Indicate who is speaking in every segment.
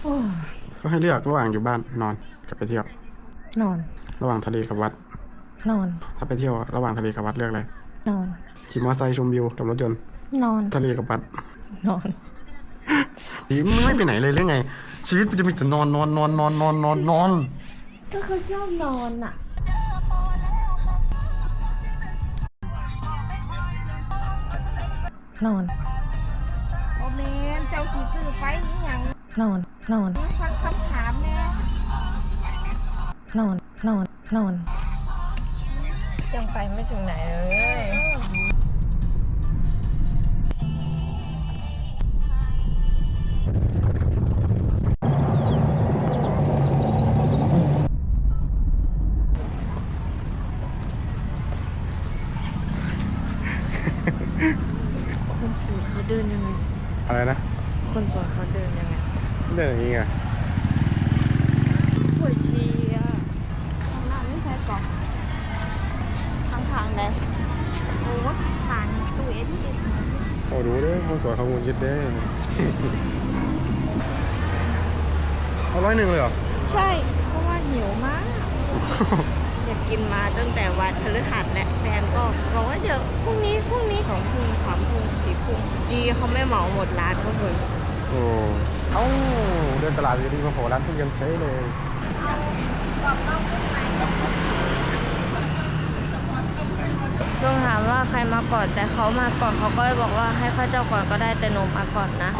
Speaker 1: โอ้
Speaker 2: ก็ให้เลือกระหว่างอยู่บ้านนอนกับไปเที่ยวน
Speaker 1: อน
Speaker 2: ระหว่างทะเลกับวัด
Speaker 1: นอน
Speaker 2: ถ้าไปเที่ยวระหว่างทะเลกับวัดเลือกอะไร
Speaker 1: นอน
Speaker 2: ขี่มอเตอร์ไซค์ชมวิวกับรถยนต์
Speaker 1: นอน
Speaker 2: ทะเลกับวัด
Speaker 1: นอน
Speaker 2: ไม่ไปไหนเลยหรือไงชีวิตมันจะมีแต่นอนนอนนอนนอนนอนนอนนอน
Speaker 1: ก็เขาชอบนอนอ่ะ นอน
Speaker 3: โอเมนเจ้าขี่ซื้อไปนี่ยัง
Speaker 1: นอน นอน
Speaker 3: ฟังคำถามแน่
Speaker 1: นอน นอน นอน
Speaker 3: ยังไปไม่ถึงไหนเลยคนสวยเขาเดินยังไง
Speaker 2: อะไรนะ
Speaker 3: คนสวยเขาเดินยังไง
Speaker 2: เดินอย่างนี้ไง
Speaker 3: ปวดชีอ่ะข้างหน้าไม่ใช่ก่อนทางเลยโอ้ผ่านตู้เอทีเอ็ม
Speaker 2: โอ้ดูเด้อคนสวยเขางุนยิดเด้อเอา100เลยเหรอ
Speaker 3: ใช่เพราะว่าหิวมากอยากกินมาตั้งแต่วันพฤหัสและแฟนก็บอกว่าเดี๋ยวพรุ่งนี้2 ทุ่ม3 ทุ่ม4 ทุ่มดีเขาไม่เหมาหมดร้านก็เลย
Speaker 2: โอ้เอ้าเดินตลาดดีๆมาโผล่ร้านทุเรียนใช้เลย
Speaker 3: ลุงถามว่าใครมาก่อนแต่เขามาก่อนเขาก็บอกว่าให้ข้าเจ้าก่อนก็ได้แต่หนูมาก่อนนะ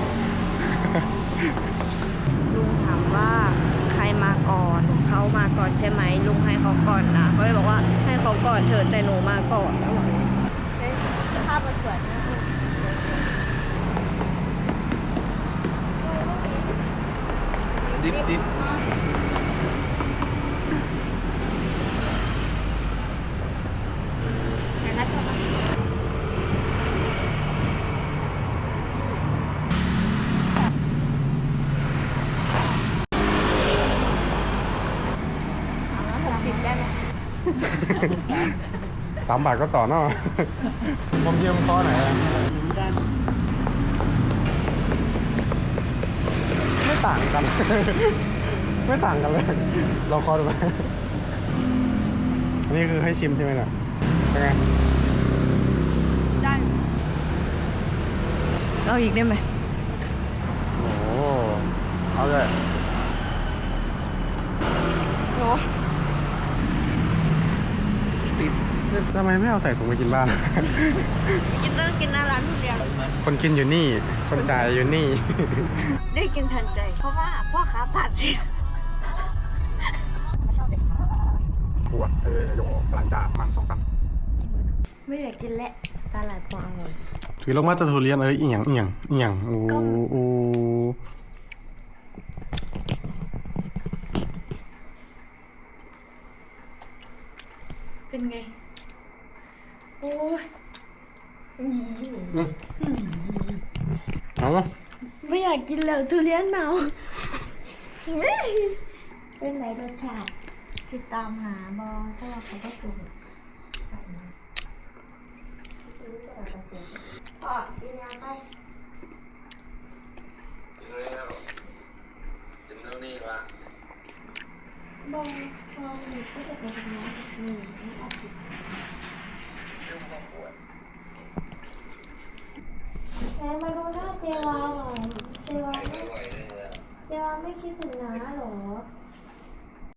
Speaker 3: ลุงถามว่าใครมาก่อนเขามาก่อนใช่ไหมลุงให้เขาก่อนนะเขาเลยบอกว่าให้เขาก่อนเถอะแต่หนูมาก่อนแล้วภาพมันสวยนะดิบ60ได้ไหม
Speaker 2: 3 บาทก็ต่อเนาะผมยืมข้อไหนไม่ต่างกัน ไม่ต่างกันเลยลองคอดูไหมอันนี้คือให้ชิมใช่ไหมล่ะเป็นไง
Speaker 3: ได้เอาอีกได้ไหม
Speaker 2: โอ้เอาเลย
Speaker 3: โอ้
Speaker 2: ทำไมไม่เอาใส่ถุงไปกินบ้าน
Speaker 3: กินต้องกินหน้าร้านทุเรียน
Speaker 2: คนกินอยู่นี่คนจ่ายอยู่นี่
Speaker 3: ได้กินทันใจเพราะว่าพ่อค้าบาดเจ็บ
Speaker 2: ปวดโยกหลังจากมัน2 ตัน
Speaker 3: ไม่อยากกินและตลาดปององุ่น
Speaker 2: ถือลงมาตะทุเรียนเอียงโอ้
Speaker 3: เป็นไงโอ้ย
Speaker 2: เอา
Speaker 3: ไม่อยากกินแล้วทุเรียนหนาวเป็นไหนรสชาติติดตามหาบอเพราะว่าเขาก็สูงพ่อกินยาไป
Speaker 4: กินเรื่องนี้ละ
Speaker 3: บองหนูก็จะไปทำงานนี่ไม่อาทิตย์ไหนมาดูหน้าเจวาหน่อยเจวาไม่คิดถึงน้าหรอ